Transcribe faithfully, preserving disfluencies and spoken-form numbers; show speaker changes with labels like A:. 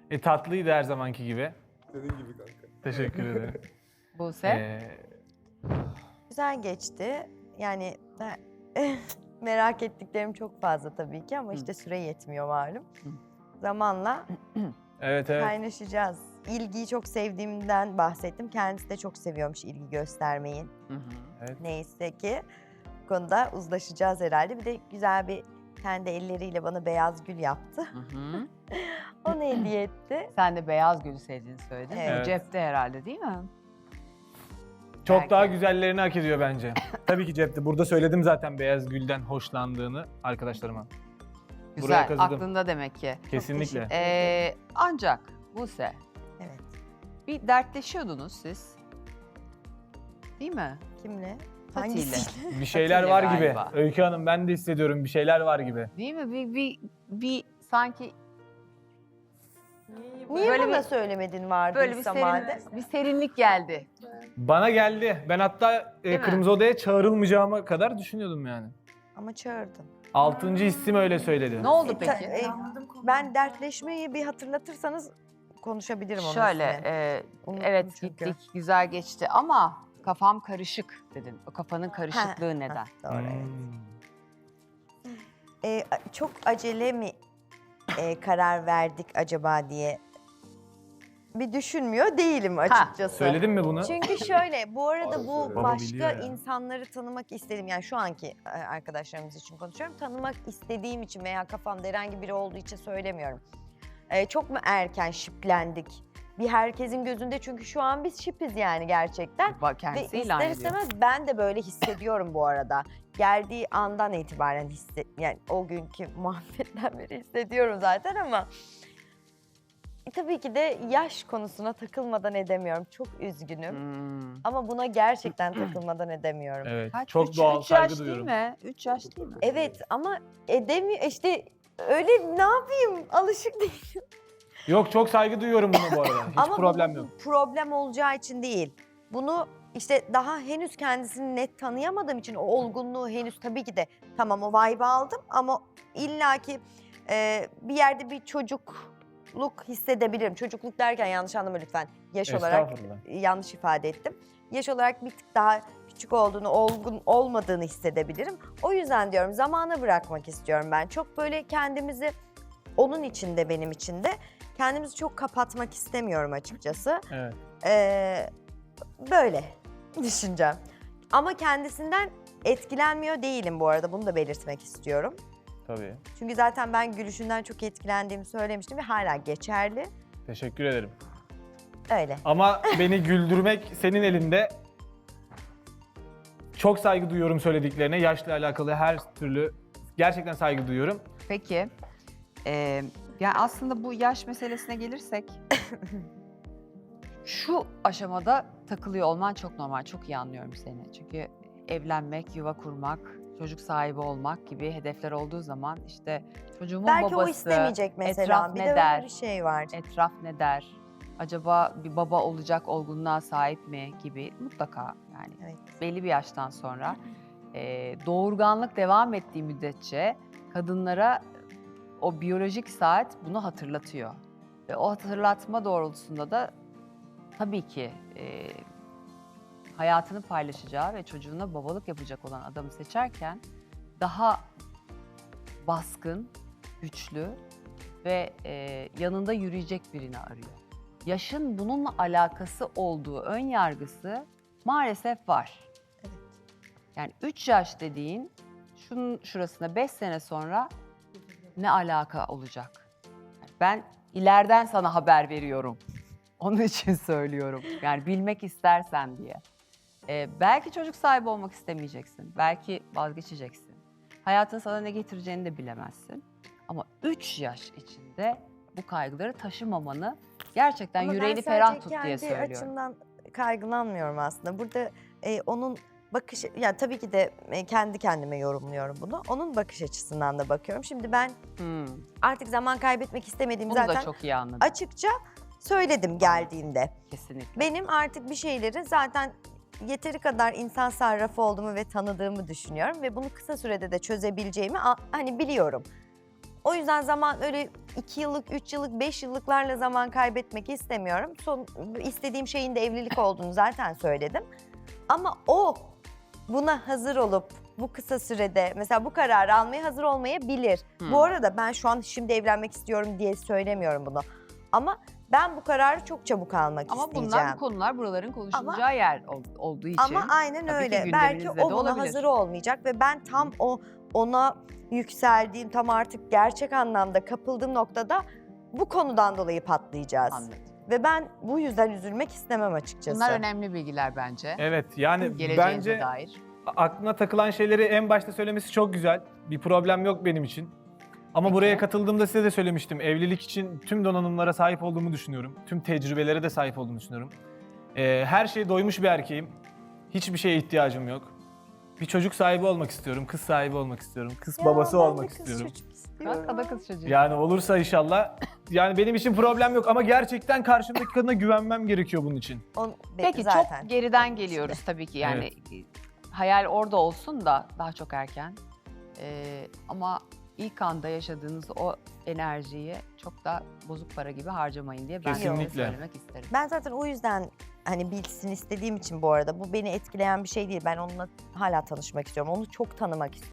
A: E, tatlıydı her zamanki gibi.
B: Senin gibi kanka.
A: Teşekkür ederim.
C: Buse.
A: Ee,
D: Güzel geçti. Yani ben- merak ettiklerim çok fazla tabii ki ama işte süre yetmiyor malum. Zamanla
A: evet evet.
D: kaynaşacağız. İlgiyi çok sevdiğimden bahsettim. Kendisi de çok seviyormuş ilgi göstermeyi.
C: Hı hı.
A: Evet.
D: Neyse ki bu konuda uzlaşacağız herhalde. Bir de güzel bir kendi elleriyle bana beyaz gül yaptı.
C: Hı hı.
D: Onu hediye etti.
C: Sen de beyaz gülü sevdiğini söyledin.
D: Evet.
C: Bu cepte herhalde değil mi?
A: Çok
C: Belki.
A: daha güzellerini hak ediyor bence. Tabii ki cepte. Burada söyledim zaten beyaz gülden hoşlandığını arkadaşlarıma. Buraya
C: Güzel.
A: kazıdım.
C: Aklında demek ki.
A: Kesinlikle.
D: teşekkür
C: Ee, ancak Buse,
D: Evet.
C: bir dertleşiyordunuz siz. Değil mi?
D: Kimle?
C: Fatih'le.
D: Hangisiyle?
A: Bir şeyler
C: Fatih'le
A: var gibi.
C: galiba.
A: Öykü Hanım ben de hissediyorum bir şeyler var gibi.
C: Değil mi? Bir, bir, bir sanki
D: Niye
C: Böyle
D: bana
C: bir-
D: söylemedin
C: böyle bir,
D: vardıysa madem?
C: serin, bir serinlik geldi.
A: Bana geldi. Ben hatta e,
C: Değil mi?
A: Kırmızı Oda'ya çağrılmayacağıma kadar düşünüyordum yani.
D: Ama çağırdın.
A: Altıncı hissim öyle söyledi.
C: Ne oldu
D: E, ta-
C: peki?
D: e, ben dertleşmeyi bir hatırlatırsanız konuşabilirim onun
C: Şöyle,
D: üstüne.
C: e,
D: Unuttum
C: evet
D: çünkü.
C: gittik, güzel geçti ama kafam karışık dedin. O kafanın karışıklığı
D: Ha,
C: neden?
D: ha, Doğru, evet.
A: Hmm.
D: E, a- çok acele mi e, karar verdik acaba diye bir düşünmüyor değilim açıkçası.
A: Söyledin mi bunu?
D: Çünkü şöyle, bu arada
B: Baba
D: bu
A: biliyor
D: başka
A: ya.
D: insanları tanımak istedim. Yani şu anki e, arkadaşlarımız için konuşuyorum. Tanımak istediğim için veya kafamda herhangi biri olduğu için söylemiyorum. E, çok mu erken şiplendik? Bir herkesin gözünde çünkü şu an biz şipiz yani gerçekten.
C: Bak
D: Ve
C: kendisi ilan
D: ister
C: ediyor.
D: istemez ben de böyle hissediyorum bu arada. Geldiği andan itibaren hisse, yani o günkü muhabbetten beri hissediyorum zaten ama e, tabii ki de yaş konusuna takılmadan edemiyorum. Çok üzgünüm.
C: Hmm.
D: Ama buna gerçekten takılmadan edemiyorum.
A: Evet.
C: Kaç?
A: Çok
C: Üç-
A: doğal
C: üç
A: saygı
C: yaş
A: duyuyorum.
C: değil mi? Üç yaş değil mi?
D: Evet ama edemiyor işte öyle ne yapayım alışık değilim.
A: Yok çok saygı duyuyorum buna bu arada. Hiç
D: ama
A: problem
D: bu,
A: yok.
D: bu problem olacağı için değil. Bunu işte daha henüz kendisini net tanıyamadığım için o olgunluğu henüz tabii ki de tamam o vibe'ı aldım ama illaki e, bir yerde bir çocukluk hissedebilirim. Çocukluk derken yanlış anlama lütfen. Yaş olarak
A: Estağfurullah.
D: yanlış ifade ettim. Yaş olarak bir tık daha küçük olduğunu, olgun olmadığını hissedebilirim. O yüzden diyorum zamana bırakmak istiyorum ben. Çok böyle kendimizi onun içinde benim içinde kendimizi çok kapatmak istemiyorum açıkçası.
A: Evet.
D: Ee, böyle düşüneceğim. Ama kendisinden etkilenmiyor değilim bu arada. Bunu da belirtmek istiyorum.
A: Tabii.
D: Çünkü zaten ben gülüşünden çok etkilendiğimi söylemiştim ve hala geçerli.
A: Teşekkür ederim.
D: Öyle.
A: Ama beni güldürmek senin elinde. Çok saygı duyuyorum söylediklerine. Yaşla alakalı her türlü gerçekten saygı duyuyorum.
C: Peki. Ee, yani aslında bu yaş meselesine gelirsek şu aşamada takılıyor olman çok normal. Çok iyi anlıyorum seni. Çünkü evlenmek, yuva kurmak, çocuk sahibi olmak gibi hedefler olduğu zaman işte çocuğumun
D: Belki
C: babası,
D: o istemeyecek mesela.
C: etraf
D: Bir
C: ne
D: de
C: der?
D: öyle bir şey var.
C: etraf ne der? Acaba bir baba olacak olgunluğa sahip mi gibi mutlaka yani
D: Evet.
C: belli bir yaştan sonra e, doğurganlık devam ettiği müddetçe kadınlara o biyolojik saat bunu hatırlatıyor. Ve o hatırlatma doğrultusunda da tabii ki e, hayatını paylaşacağı ve çocuğuna babalık yapacak olan adamı seçerken daha baskın, güçlü ve e, yanında yürüyecek birini arıyor. Yaşın bununla alakası olduğu ön yargısı maalesef var.
D: Evet.
C: Yani üç yaş dediğin şunun şurasına beş sene sonra ne alaka olacak? Yani ben ileriden sana haber veriyorum. Onun için söylüyorum. Yani bilmek istersen diye. Ee, belki çocuk sahibi olmak istemeyeceksin. Belki vazgeçeceksin. Hayatın sana ne getireceğini de bilemezsin. Ama üç yaş içinde bu kaygıları taşımamanı gerçekten
D: Ama ben
C: yüreğini
D: sadece
C: ferah tut diye
D: kendi
C: söylüyorum.
D: açımdan kaygılanmıyorum aslında. Burada e, onun bakış, yani tabii ki de e, kendi kendime yorumluyorum bunu. Onun bakış açısından da bakıyorum. Şimdi ben
C: Hmm,
D: artık zaman kaybetmek istemediğimi
C: bunu
D: zaten
C: da çok iyi anladım.
D: açıkça söyledim geldiğinde.
C: Kesinlikle.
D: Benim artık bir şeyleri zaten yeteri kadar insan sarrafı olduğumu ve tanıdığımı düşünüyorum ve bunu kısa sürede de çözebileceğimi a- hani biliyorum. O yüzden zaman öyle iki yıllık, üç yıllık, beş yıllıklarla zaman kaybetmek istemiyorum. Son istediğim şeyin de evlilik olduğunu zaten söyledim. Ama o buna hazır olup bu kısa sürede mesela bu kararı almaya hazır olmayabilir.
C: Hmm.
D: Bu arada ben şu an şimdi evlenmek istiyorum diye söylemiyorum bunu. Ama ben bu kararı çok çabuk almak
C: Ama
D: isteyeceğim.
C: bunlar bu konular buraların konuşulacağı yer ol- olduğu için.
D: Ama aynen
C: tabii ki
D: öyle. Belki
C: gündeminizde
D: o
C: de
D: buna
C: olabilir.
D: hazır olmayacak ve ben tam o ona yükseldiğim, tam artık gerçek anlamda kapıldığım noktada bu konudan dolayı patlayacağız.
C: Anladım.
D: Ve ben bu yüzden üzülmek istemem açıkçası.
C: Bunlar önemli bilgiler bence.
A: Evet yani
C: Geleceğinize
A: bence
C: dair.
A: aklına takılan şeyleri en başta söylemesi çok güzel. Bir problem yok benim için. Ama
C: Peki.
A: buraya katıldığımda size de söylemiştim. Evlilik için tüm donanımlara sahip olduğumu düşünüyorum. Tüm tecrübelere de sahip olduğumu düşünüyorum. Ee, her şeye doymuş bir erkeğim. Hiçbir şeye ihtiyacım yok. Bir çocuk sahibi olmak istiyorum, kız sahibi olmak istiyorum, kız
D: Ya
A: babası
D: ben de
A: olmak
D: kız
A: istiyorum.
D: çocuk istiyorum.
C: Bak, o da kız çocuğu.
A: Yani olursa inşallah. Yani benim için problem yok ama gerçekten karşımdaki kadına güvenmem gerekiyor bunun için.
D: On,
C: Peki
D: zaten.
C: çok geriden geliyoruz tabii ki yani e, hayal orada olsun da daha çok erken. Ee, ama ilk anda yaşadığınız o enerjiyi çok da bozuk para gibi harcamayın diye ben size
A: Kesinlikle.
C: söylemek isterim.
D: Ben zaten o yüzden hani bilsin istediğim için bu arada bu beni etkileyen bir şey değil. Ben onunla hala tanışmak istiyorum. Onu çok tanımak istiyorum.